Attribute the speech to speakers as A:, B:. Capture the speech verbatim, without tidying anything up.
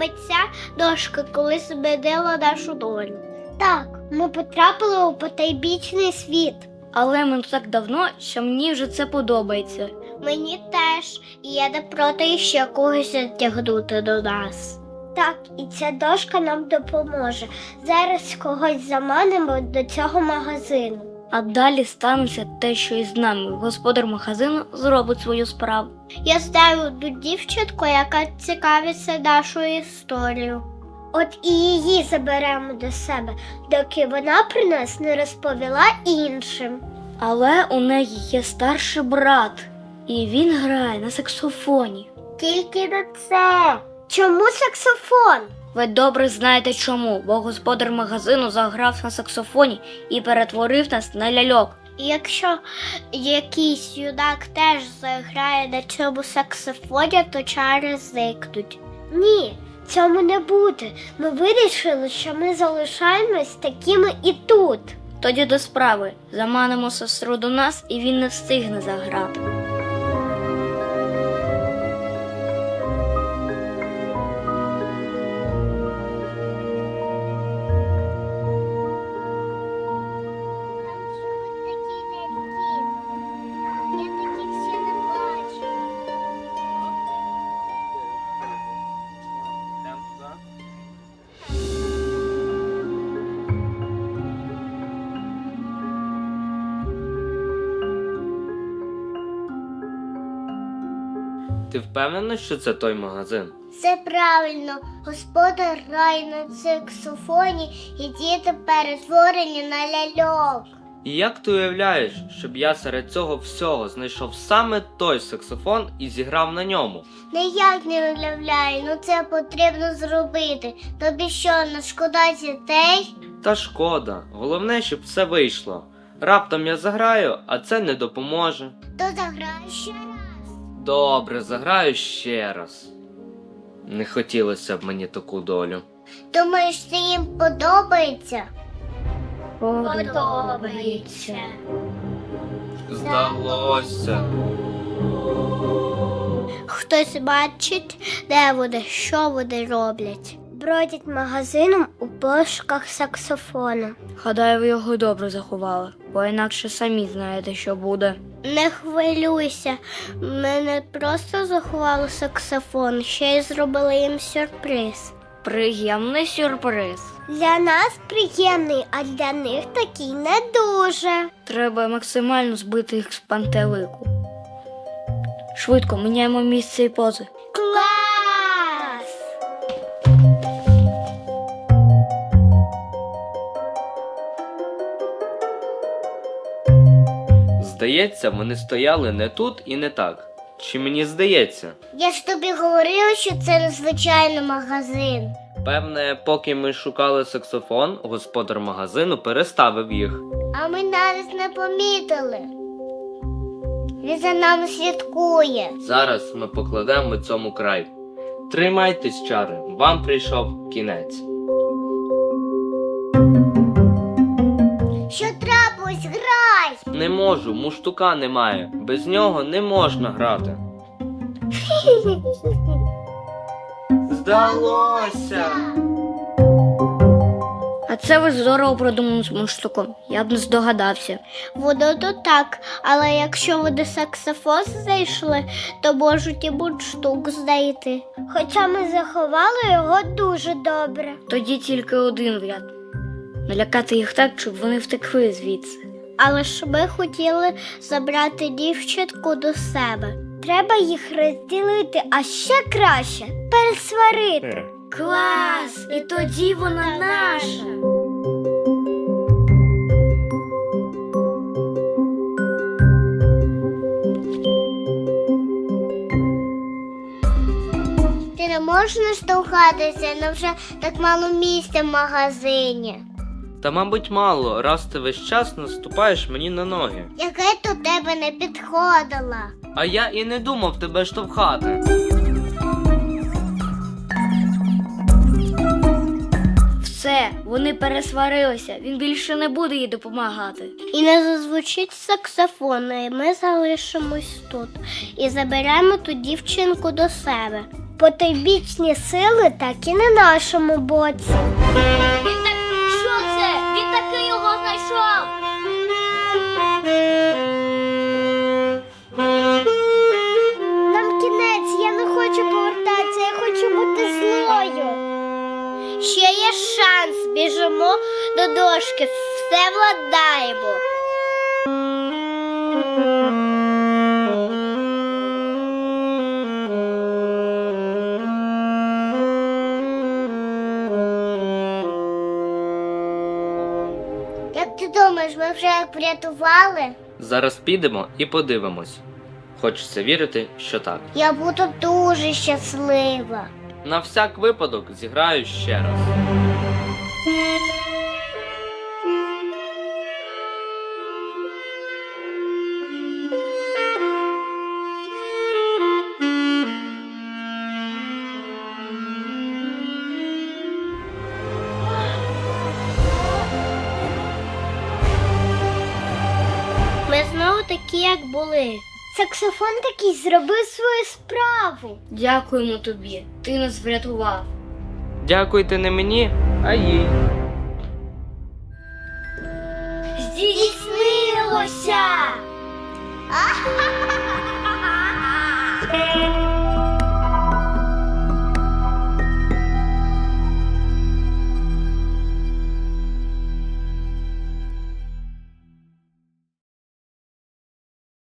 A: Мабуть, ця дошка колись змінила нашу долю.
B: Так, ми потрапили у потайбічний світ.
C: Але ми так давно, що мені вже це подобається.
A: Мені теж, і я не проти ще когось затягнути до нас.
B: Так, і ця дошка нам допоможе. Зараз когось заманимо до цього магазину.
C: А далі станеться те, що і з нами. Господар магазину зробить свою справу.
A: Я знаю одну дівчинку, яка цікавиться нашою історією.
B: От і її заберемо до себе, доки вона про нас не розповіла іншим.
C: Але у неї є старший брат, і він грає на саксофоні.
A: Тільки на це.
B: Чому саксофон?
C: Ви добре знаєте чому, бо господар магазину заграв на саксофоні і перетворив нас на ляльок.
A: І якщо якийсь юнак теж заграє на цьому саксофоні, то чари зникнуть.
B: Ні, цьому не буде. Ми вирішили, що ми залишаємось такими і тут.
C: Тоді до справи. Заманимо сестру до нас, і він не встигне заграти.
D: Ти впевнена, що це той магазин?
A: Все правильно. Господар грає на саксофоні, і діти перетворені на ляльок.
D: І як ти уявляєш, щоб я серед цього всього знайшов саме той саксофон і зіграв на ньому?
A: Ніяк не уявляю, ну це потрібно зробити. Тобі що, не шкода дітей?
D: Та шкода, головне, щоб все вийшло. Раптом я заграю, а це не допоможе.
A: То заграй ще раз.
D: Добре, заграю ще раз. Не хотілося б мені таку долю.
A: Думаєш, це їм подобається?
C: Подобається.
D: Здалося.
A: Хтось бачить, де вони, що вони роблять.
B: Бродять магазином у пошуках саксофона.
C: Гадаю, ви його добре заховали, бо інакше самі знаєте, що буде.
A: Не хвилюйся, ми не просто заховали саксофон, ще й зробили їм сюрприз.
C: Приємний сюрприз.
B: Для нас приємний, а для них такий не дуже.
C: Треба максимально збити їх з пантелику. Швидко міняємо місце і пози.
A: Клас!
D: Здається, вони стояли не тут і не так. Чи мені здається?
A: Я ж тобі говорила, що це незвичайний магазин.
D: Певне, поки ми шукали саксофон, господар магазину переставив їх.
A: А ми навіть не помітили. Він за нами слідкує.
D: Зараз ми покладемо цьому край. Тримайтесь, чари, вам прийшов кінець.
A: Що трапилось? Грай!
D: Не можу, муштука немає. Без нього не можна грати. Здалося!
C: А це ви здорово продумали з мундштуком. Я б не здогадався.
A: Воно то так, але якщо вони саксофон знайшли, то можуть і мундштук знайти.
B: Хоча ми заховали його дуже добре.
C: Тоді тільки один вряд. Налякати їх так, щоб вони втекли звідси.
A: Але ж ми хотіли забрати дівчинку до себе.
B: Треба їх розділити, а ще краще пересварити.
C: Клас! І тоді вона наша!
A: Ти не можеш наштовхатися, на вже так мало місця в магазині.
D: Та, мабуть, мало, раз ти весь час наступаєш мені на ноги.
A: Яке до тебе не підходила.
D: А я і не думав тебе штовхати.
C: Все, вони пересварилися, він більше не буде їй допомагати.
A: І не зазвучить саксофон, і ми залишимось тут. І заберемо ту дівчинку до себе.
B: потойбічні сили так і на нашому боці.
C: Він так... Що це? Він таки його знайшов!
B: Нам кінець, я не хочу повертатися, я хочу бути злою.
A: Ще є шанс, біжимо до дошки, все владаємо. Як ти думаєш, ми вже як врятували?
D: Зараз підемо і подивимось. Хочеться вірити, що так.
A: Я буду дуже щаслива.
D: На всяк випадок зіграю ще раз.
A: Ми знову такі, як були.
B: Саксофон такий зробив свою справу.
C: Дякуємо тобі, ти нас врятував.
D: Дякуйте не мені, а їй.
B: Здійснилося!